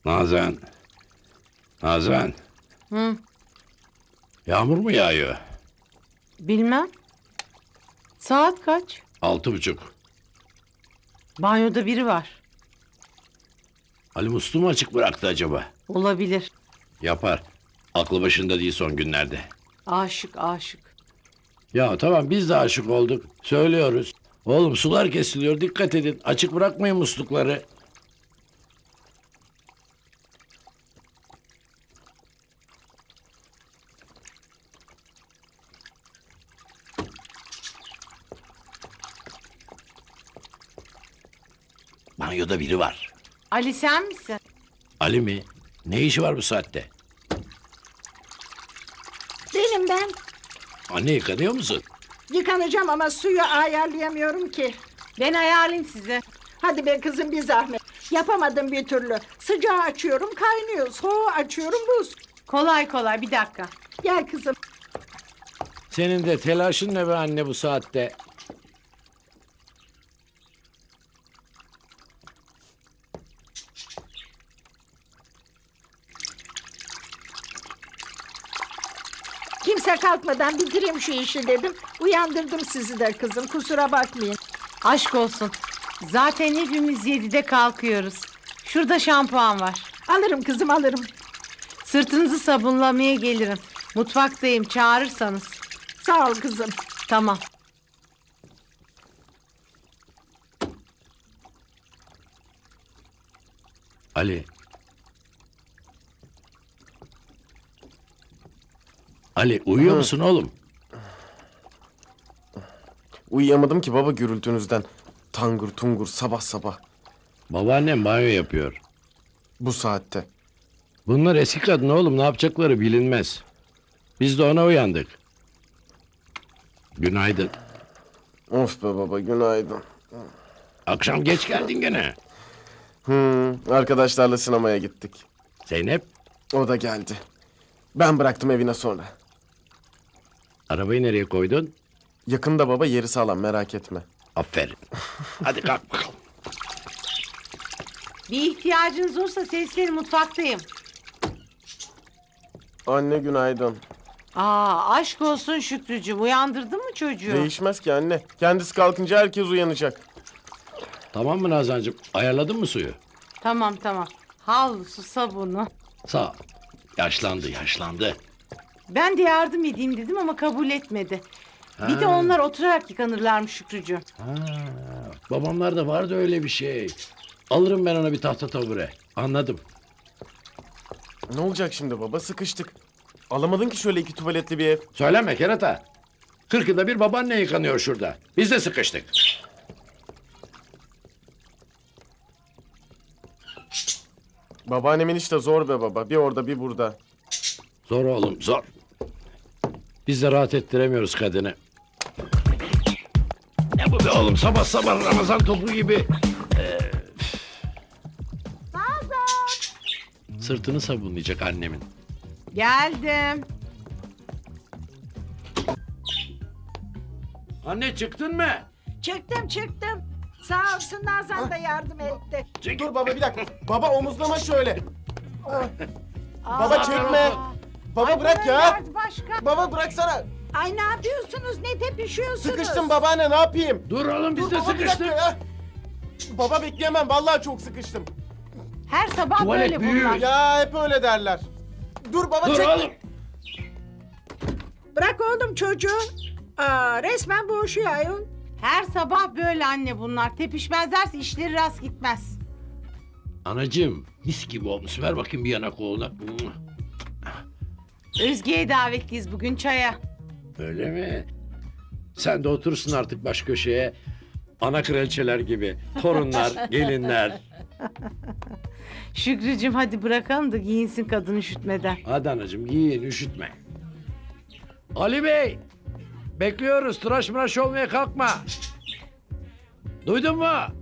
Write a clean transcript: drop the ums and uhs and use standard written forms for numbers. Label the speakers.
Speaker 1: Nazan. Nazan.
Speaker 2: Hı,
Speaker 1: Yağmur mu yağıyor?
Speaker 2: bilmem. Saat kaç?
Speaker 1: 6:30.
Speaker 2: Banyoda biri var.
Speaker 1: Ali musluğu mu açık bıraktı acaba?
Speaker 2: Olabilir.
Speaker 1: Yapar. Aklı başında değil son günlerde.
Speaker 2: Aşık aşık.
Speaker 1: Ya tamam biz de aşık olduk. Söylüyoruz. Oğlum sular kesiliyor dikkat edin. Açık bırakmayın muslukları. Banyoda biri var.
Speaker 2: Ali sen misin?
Speaker 1: Ali mi? Ne işi var bu saatte?
Speaker 3: Benim ben.
Speaker 1: Anne yıkanıyor musun?
Speaker 3: Yıkanacağım ama suyu ayarlayamıyorum ki.
Speaker 2: Ben ayarlayayım size.
Speaker 3: Hadi be kızım bir zahmet. Yapamadım bir türlü. Sıcağı açıyorum kaynıyor. Soğuğu açıyorum buz.
Speaker 2: Kolay kolay bir dakika.
Speaker 3: Gel kızım.
Speaker 1: Senin de telaşın ne be anne bu saatte?
Speaker 3: Kimse kalkmadan bitireyim şu işi dedim. Uyandırdım sizi de kızım. Kusura bakmayın.
Speaker 2: Aşk olsun. Zaten hepimiz 7'de kalkıyoruz. Şurada şampuan var.
Speaker 3: Alırım kızım alırım.
Speaker 2: Sırtınızı sabunlamaya gelirim. Mutfaktayım çağırırsanız.
Speaker 3: Sağ ol kızım.
Speaker 2: Tamam.
Speaker 1: Ali. Ali uyuyor musun oğlum?
Speaker 4: Uyuyamadım ki baba gürültünüzden. Tangır tungur sabah sabah.
Speaker 1: Babaannem banyo yapıyor.
Speaker 4: Bu saatte.
Speaker 1: Bunlar eski kadın oğlum ne yapacakları bilinmez. Biz de ona uyandık. Günaydın.
Speaker 4: Of be baba günaydın.
Speaker 1: Akşam geç geldin gene.
Speaker 4: Arkadaşlarla sinemaya gittik.
Speaker 1: Zeynep
Speaker 4: O da geldi. Ben bıraktım evine sonra.
Speaker 1: arabayı nereye koydun?
Speaker 4: Yakında baba yeri sağlam merak etme.
Speaker 1: Aferin. Hadi kalk bakalım.
Speaker 2: Bir ihtiyacınız olursa seslenin mutfaktayım.
Speaker 4: Anne günaydın.
Speaker 2: Aşk olsun Şükrücüğüm. Uyandırdın mı çocuğu?
Speaker 4: Değişmez ki anne. Kendisi kalkınca herkes uyanacak.
Speaker 1: Tamam mı Nazancığım? Ayarladın mı suyu?
Speaker 2: Tamam tamam. Havlusu, sabunu.
Speaker 1: Sağ ol. Yaşlandı.
Speaker 2: Ben de yardım edeyim dedim ama kabul etmedi. Bir de onlar oturarak yıkanırlarmış Şükrücüğüm.
Speaker 1: Babamlarda vardı öyle bir şey. Alırım ben ona bir tahta tabure. Anladım.
Speaker 4: Ne olacak şimdi baba sıkıştık. Alamadın ki şöyle 2 tuvaletli bir ev.
Speaker 1: Söyleme kerata. 40 yılda bir babaanne yıkanıyor şurada. Biz de sıkıştık.
Speaker 4: Babaannemin işte zor be baba. Bir orada bir burada.
Speaker 1: Zor oğlum zor. Biz de rahat ettiremiyoruz kadını. Ne bu be oğlum sabah sabah Ramazan topu gibi. Sırtını sabunlayacak annemin.
Speaker 2: Geldim.
Speaker 1: Anne çıktın mı?
Speaker 3: Çıktım. Sağ olsun Nazan da yardım etti.
Speaker 4: Dur baba bir dakika. Baba omuzlama şöyle. Baba
Speaker 3: Aa,
Speaker 4: çekme. Baba
Speaker 3: ay,
Speaker 4: bırak
Speaker 3: bunun
Speaker 4: ya.
Speaker 3: derdi başka.
Speaker 4: Baba bıraksana.
Speaker 3: Ay ne yapıyorsunuz? Ne tepişiyorsunuz?
Speaker 4: Sıkıştım babaanne ne yapayım?
Speaker 1: Dur oğlum biz
Speaker 4: Dur
Speaker 1: de
Speaker 4: baba bir dakika
Speaker 1: sıkıştık.
Speaker 4: ya. Baba bekleyemem vallahi çok sıkıştım.
Speaker 2: Her sabah
Speaker 1: Tuvalet
Speaker 2: böyle
Speaker 1: büyük.
Speaker 2: bunlar.
Speaker 4: Ya hep öyle derler. Dur baba
Speaker 1: Dur
Speaker 4: çek.
Speaker 1: oğlum.
Speaker 3: Bırak oğlum çocuğu. Resmen boğuşuyor ayol.
Speaker 2: Her sabah böyle anne bunlar. Tepişmezlerse işleri rast gitmez.
Speaker 1: Anacığım mis gibi olmuş. Ver bakayım bir yanak oğluna.
Speaker 2: Özge'ye davetliyiz bugün çaya.
Speaker 1: Öyle mi? Sen de oturursun artık baş köşeye. Ana kraliçeler gibi. Torunlar, gelinler.
Speaker 2: Şükrücüğüm hadi bırakalım da giyinsin kadın üşütmeden.
Speaker 1: Hadi anacığım giyin üşütme. Ali Bey. Bekliyoruz. Tıraş mıraş olmaya kalkma. Duydun mu?